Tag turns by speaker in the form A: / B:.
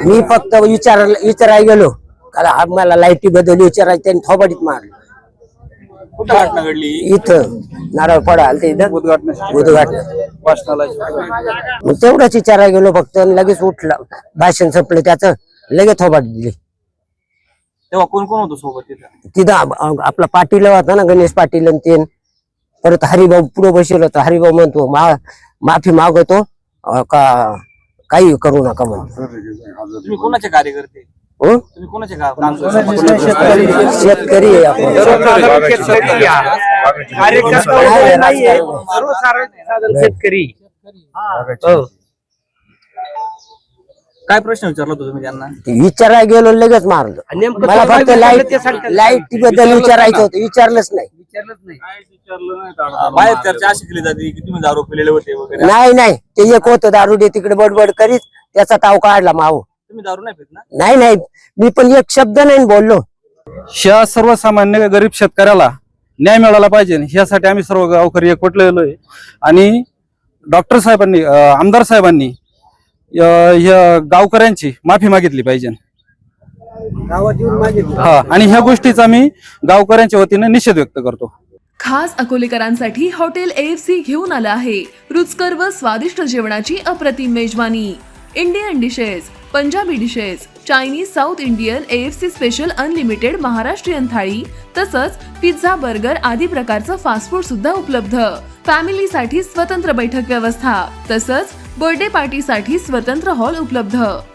A: मी फक्त विचारायला गेलो कारण आम्हाला लाईटी बद्दल विचारायचं त्यांनी थोबाडीत मारलं.
B: कुठं घटना घडली?
A: इथं नारळ पडा आलते इथं उद्घाटन. मग तेवढंच विचारायला गेलो फक्त आणि लगेच उठला. भाषण संपलं त्याचं लगेच थोबाडी दिली.
B: तेव्हा कोण कोण होतं सोबत तिथं?
A: तिथं आपला पाटील होता ना गणेश पाटील आणि ते परत हरिभाऊ पुढे बसलो होतो. हरिभाऊ म्हणतो माफी मागवतो का काही करू नका म्हणतो.
B: तुम्ही कोणाचे कार्यकर्ते?
A: हो
B: तुम्ही कोणाचे
A: शेतकरी आहे आपण.
C: शेतकरी.
B: काय प्रश्न विचारला होता तुम्ही त्यांना?
A: विचारायला गेलो लगेच मारलं. मला फक्त लाईट बद्दल विचारायचं होतं. विचारलंच नाही.
B: बाहेर चर्चा अशी केली जाते की तुम्ही दारू पिलेले होते वगैरे.
A: नाही ते एक होतं दारुडे तिकडे बडबड करीत त्याचा ताव काढला माव.
B: तुम्ही दारू नाही पित ना?
A: नाही मी पण एक शब्द नाही बोललो.
D: ह्या सर्वसामान्य गरीब शेतकऱ्याला न्याय मिळाला पाहिजे ह्यासाठी आम्ही सर्व गावकरी एकवटलेलो आहे. आणि डॉक्टर साहेबांनी आमदार साहेबांनी या गावकऱ्यांची माफी मागितली पाहिजे. हा आणि ह्या गोष्टीचा मी गावकऱ्यांच्या वतीने निषेध व्यक्त करतो.
E: खास अकोलेकरांसाठी हॉटेल AFC घेऊन आलं आहे रुचकर व स्वादिष्ट जेवणाची अप्रतिम मेजवानी. Indian dishes, Punjabi dishes, Chinese, south Indian, AFC special unlimited Maharashtrian thali तसंच पिझ्झा, बर्गर आदी प्रकारचं फास्ट फूड सुद्धा उपलब्ध. फॅमिलीसाठी स्वतंत्र बैठक व्यवस्था तसंच बर्थडे पार्टीसाठी स्वतंत्र हॉल उपलब्ध.